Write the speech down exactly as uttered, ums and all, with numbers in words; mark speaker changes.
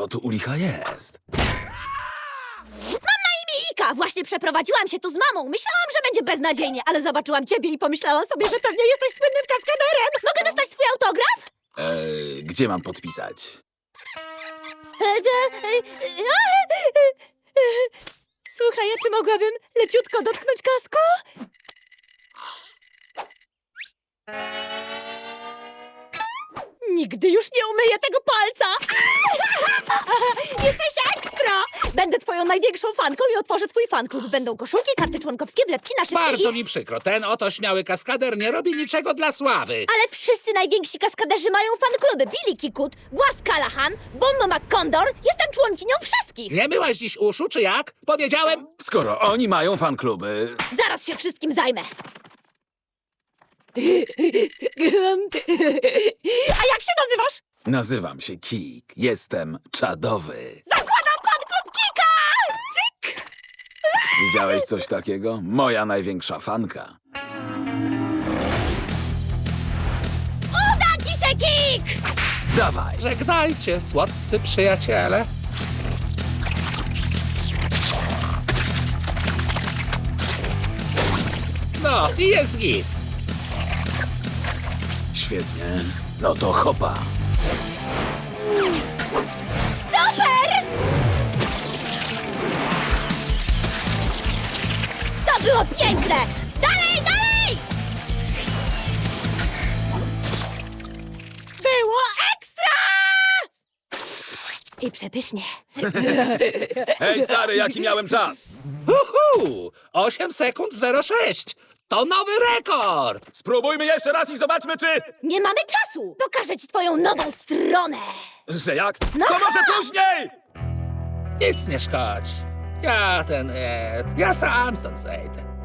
Speaker 1: Co tu u licha jest?
Speaker 2: Ika, właśnie przeprowadziłam się tu z mamą. Myślałam, że będzie beznadziejnie, ale zobaczyłam ciebie i pomyślałam sobie, że pewnie jesteś słynnym kaskaderem. Mogę dostać twój autograf?
Speaker 1: Eee, gdzie mam podpisać?
Speaker 2: E, e, e, e, e, Słuchaj, a czy mogłabym leciutko dotknąć kasku? Nigdy już nie umyję tego palca! Jesteś ekstra! Będę twoją największą fanką i otworzę twój fanklub. Będą koszulki, karty członkowskie, wlepki na szybkie
Speaker 3: Bardzo
Speaker 2: i...
Speaker 3: mi przykro, ten oto śmiały kaskader nie robi niczego dla sławy.
Speaker 2: Ale wszyscy najwięksi kaskaderzy mają fankluby. Billy Kikut, Głaz Callahan, Bombo McCondor. Jestem członkinią wszystkich.
Speaker 3: Nie myłaś dziś uszu, czy jak? Powiedziałem...
Speaker 1: Skoro oni mają fankluby,
Speaker 2: Zaraz się wszystkim zajmę. A jak się nazywasz?
Speaker 1: nazywam się Kik. Jestem czadowy.
Speaker 2: Zakładam fanklub Kika! Cyk!
Speaker 1: Widziałeś coś takiego? Moja największa fanka.
Speaker 2: Uda ci się, Kik!
Speaker 1: Dawaj!
Speaker 3: Żegnajcie, słodcy przyjaciele. No, i jest git.
Speaker 1: Świetnie. No to hopa.
Speaker 2: Super! To było piękne! Dalej, dalej! Było ekstra! I przepysznie.
Speaker 1: Hej stary, jaki miałem czas?
Speaker 3: Uhu! osiem sekund zero sześć. To nowy rekord!
Speaker 1: Spróbujmy jeszcze raz i zobaczmy, czy...
Speaker 2: Nie mamy czasu! Pokażę ci twoją nową stronę!
Speaker 1: Że jak?
Speaker 2: No
Speaker 1: To może
Speaker 2: ha!
Speaker 1: później!
Speaker 3: Nic nie szkodzi. Ja ten... E, ja sam stąd zejdę.